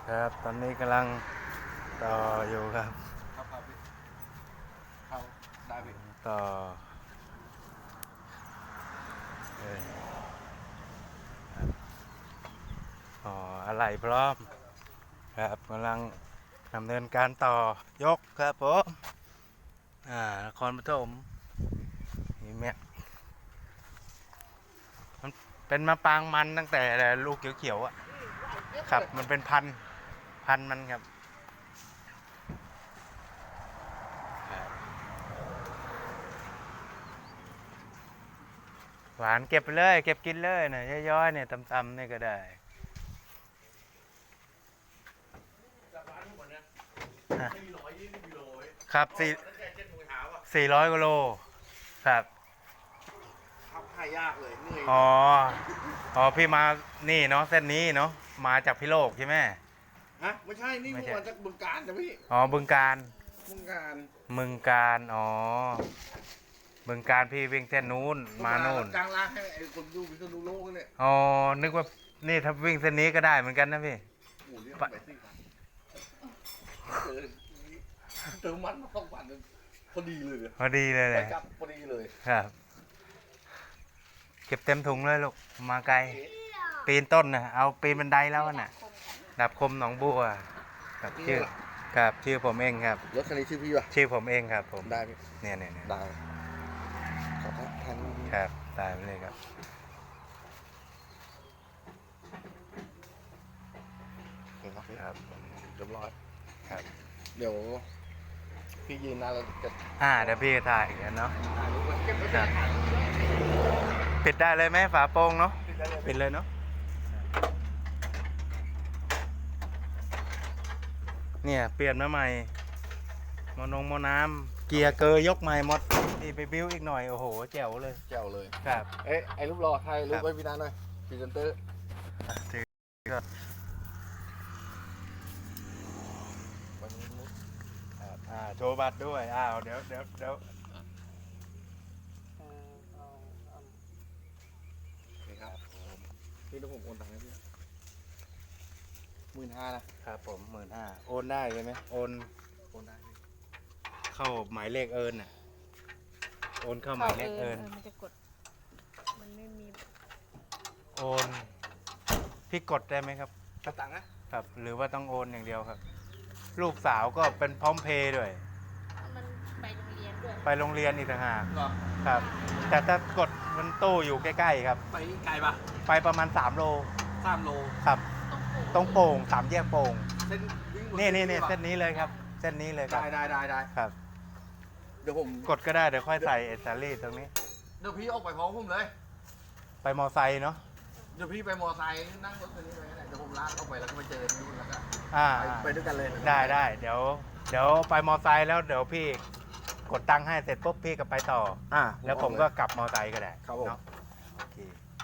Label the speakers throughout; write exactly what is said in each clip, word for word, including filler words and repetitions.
Speaker 1: ครับตอนนี้กำลังต่ออยู่ครับ
Speaker 2: ครับครับพี่เข้าได้พี่
Speaker 1: ต่อเอออ๋ออะไรพร้อมครับกำลังดำเนินการต่อยกครับผมอ่านครปฐมนี่แม่มันเป็นมะปรางมันตั้งแต่ลูกเขียวๆอ่ะครับมันเป็นพันธุ์พันธุ์มันครับหวานเก็บไปเลยเก็บกินเลยนะย่อยๆเนี่ยตำๆนี่ก็ได้ครับสี่สี่ร้อยกิโลครับ
Speaker 2: ขับให้ยากเลยเหนื่อย
Speaker 1: อ๋ออ๋อพี่มานี่เนาะเส้นนี้เนาะมาจากพิโลกใช่ไหม
Speaker 2: ฮะไม่ใช่นี่
Speaker 1: ไม่
Speaker 2: ผม
Speaker 1: ใช่
Speaker 2: มาจากบึงกาฬจ้ะพี่
Speaker 1: อ๋อบึงการ
Speaker 2: บึงกาฬ
Speaker 1: บึงการอ๋อบึงการพี่วิ่งเส้นนู้นมานู่น
Speaker 2: กลางล่างให้ไอ้คนดูวิศนุโลกเนี่ย
Speaker 1: อ๋อนึกว่านี่ถ้าวิ่งเส้นนี้ก็ได้เหมือนกันนะพี่
Speaker 2: หมูเรียกไปสี่พันเจอเติมมันมาสองพันนึงพอดีเลย
Speaker 1: พอดีเลยเล
Speaker 2: ไป
Speaker 1: ย
Speaker 2: กลับพอดีเลย
Speaker 1: ครับเก็บเต็มถุงเลยลูกมาไกลปีนต้นนะเอาปีนบันไดแล้วน่ะดับคมหนองบัวครับชื่อครับชื่อผมเองครับ
Speaker 2: รถคันนี้ชื่อพี่ป่ะ
Speaker 1: ชื่อผมเองครับผม
Speaker 2: ได้พี่
Speaker 1: เนี่ยเนี่ยเนี่ย
Speaker 2: ได้ขอบคุณทาง
Speaker 1: ครับตายไปเลยครับ
Speaker 2: ครับพี่
Speaker 1: ครับ
Speaker 2: เรียบร้อย
Speaker 1: ครับ
Speaker 2: เดี๋ยวพี่ยืนนานแล้วจะ
Speaker 1: อ่าเดี๋ยวพี่ถ่ายกันเนาะ
Speaker 2: ถ่ายรูปไว้เก็บไว้
Speaker 1: ค
Speaker 2: เป็
Speaker 1: รั
Speaker 2: น
Speaker 1: บ
Speaker 2: หลักฐาน
Speaker 1: ปิดได้เลยไหมฝาโปร่งเนาะ
Speaker 2: ปิดได้เลย
Speaker 1: ปิดเลยเนาะเนี่ยเปลี่ยนมาใหม่มอนงมอน้ำเกียร์เกยยกใหม่หมดนี่ไปบิ้วอีกหน่อยโอ้โหแจ๋วเลย
Speaker 2: แจ๋วเลย
Speaker 1: ครับ
Speaker 2: เอ๊ะไอ้รูปรอถ่ายรู
Speaker 1: ครั
Speaker 2: ป
Speaker 1: บ
Speaker 2: ไว้พี่นันหน่อยพรีเซนเตอร์
Speaker 1: อ่ะถือก็
Speaker 2: วันนี้รูป
Speaker 1: ครับอ่าโชว์บัตรด้วยอ้าวเดี๋ยวเดี๋ยวเดี๋ยว
Speaker 2: นี่ครับพี่ต้องผมโอนตังค์ให้พี่หมื่นห้านะครับ
Speaker 1: ผมหมื่นห้าโอนได้ใช่ไหมโอน
Speaker 2: โอนได้พี่
Speaker 1: เข้าหมายเลขเอิญน่ะโอนเข้าหมายเลขเอิญ
Speaker 3: มันจะกด มันไม่มี
Speaker 1: โอนพี่กดได้ไหมครับ
Speaker 2: กระตังค์นะครับ
Speaker 1: หรือว่าต้องโอนอย่างเดียวครับ ลูกสาวก็เป็นพร้อมเพย์ด้วย
Speaker 3: มันไปโรงเรียนด้วย
Speaker 1: ไปโรงเรียนอีกต่างหาก
Speaker 2: เหรอ
Speaker 1: ครับ แต่ถ้ากดมันตู้อยู่ใกล้ๆครับ
Speaker 2: ไปไกลปะ
Speaker 1: ไปประมาณสามโล
Speaker 2: สามโล
Speaker 1: ครับ
Speaker 3: ต้องปลูก
Speaker 1: ตรงโป่งสามแยกโป่ง
Speaker 2: เส้นวิ่งบ
Speaker 1: นี่นี่นี่
Speaker 2: ปะ
Speaker 1: เส้นนี้เลยครับ เส้นนี้เลยครั
Speaker 2: ได้
Speaker 1: บ
Speaker 2: ได้ได้ได้
Speaker 1: ครับ
Speaker 2: เดี๋ยวผม
Speaker 1: กดก็ได้เดี๋ยวค่อยใส่เอสซารี่ตรงนี้
Speaker 2: เดี๋ยวพี่ออกไปพร้อมผมเลย
Speaker 1: ไปมอไซค์เนาะ
Speaker 2: เดี๋ยวพี่ไปมอไซค์นั่งรถคันนี้ไปก็ได้เดี๋ยวผมลากออกไปแล้วก็ไปเจอที่นู่นแล้วก็
Speaker 1: อ่า
Speaker 2: ไปไปด้วยกันเลย
Speaker 1: ได้ได้เดี๋ยว เดี๋ยวไปมอไซค์แล้วเดี๋ยวพี่กดตังค์ให้เสร็จปุ๊บพี่ก็ไปต่อ
Speaker 2: อ่า
Speaker 1: แล้วผมก็กลับมอไซค์ก็ได้
Speaker 2: ครับผม
Speaker 1: เนาะโอเค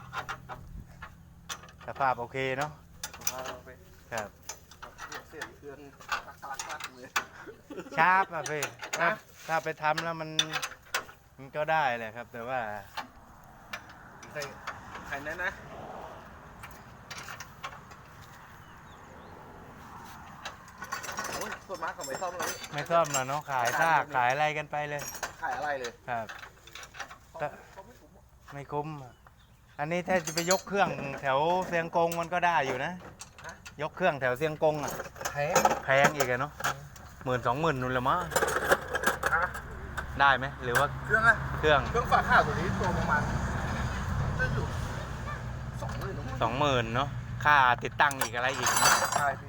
Speaker 1: สภาพโอเคเนาะ
Speaker 2: ไป
Speaker 1: ครับ
Speaker 2: เสียเครื่องตักตักตักเลย
Speaker 1: ชาร์ปอะพี่ถ้า
Speaker 2: นะ
Speaker 1: ถ้าไปทำแล้วมันมันก็ได้แหละครับ แต่ว่า
Speaker 2: ใส่ไข่นั้นนะโอ้ยส่วนมากเขาไม่ซ่อมเลย
Speaker 1: ไม่ซ่อมแล้วเนาะขายซากขายอะไรกันไปเลย
Speaker 2: ขายอะไรเลย
Speaker 1: ครับ
Speaker 2: เขาเขาไม่ถูกหรอก
Speaker 1: ไม่คุ้มอะอันนี้ถ้าจะไปยกเครื่องแถวเซียงกงมันก็ได้อยู่นะ ยกเครื่องแถวเซียงกงอ่ะ
Speaker 2: แพง
Speaker 1: แพงอีกอะเนาะหมื่นสองหมื่นนู่นละมั้ง
Speaker 2: ฮะ
Speaker 1: ได้ไหมหรือว่า
Speaker 2: เครื่องอะ
Speaker 1: เครื่อง
Speaker 2: เครื่องฝาข้าวตัวนี้ตัวประมาณจะอยู่สองหมื่น
Speaker 1: สองหมื่นเนาะค่าติดตั้งอีกอะไรอีกเนอะ
Speaker 2: ใช่พี่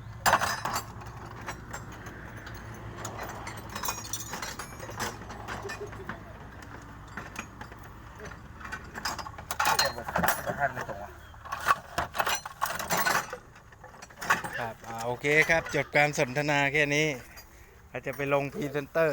Speaker 2: ท่านไม่ตรงอ่ะ
Speaker 1: ครับอ่าโอเคครับจบการสนทนาแค่นี้เราจะไปลงพรีเซนเตอร์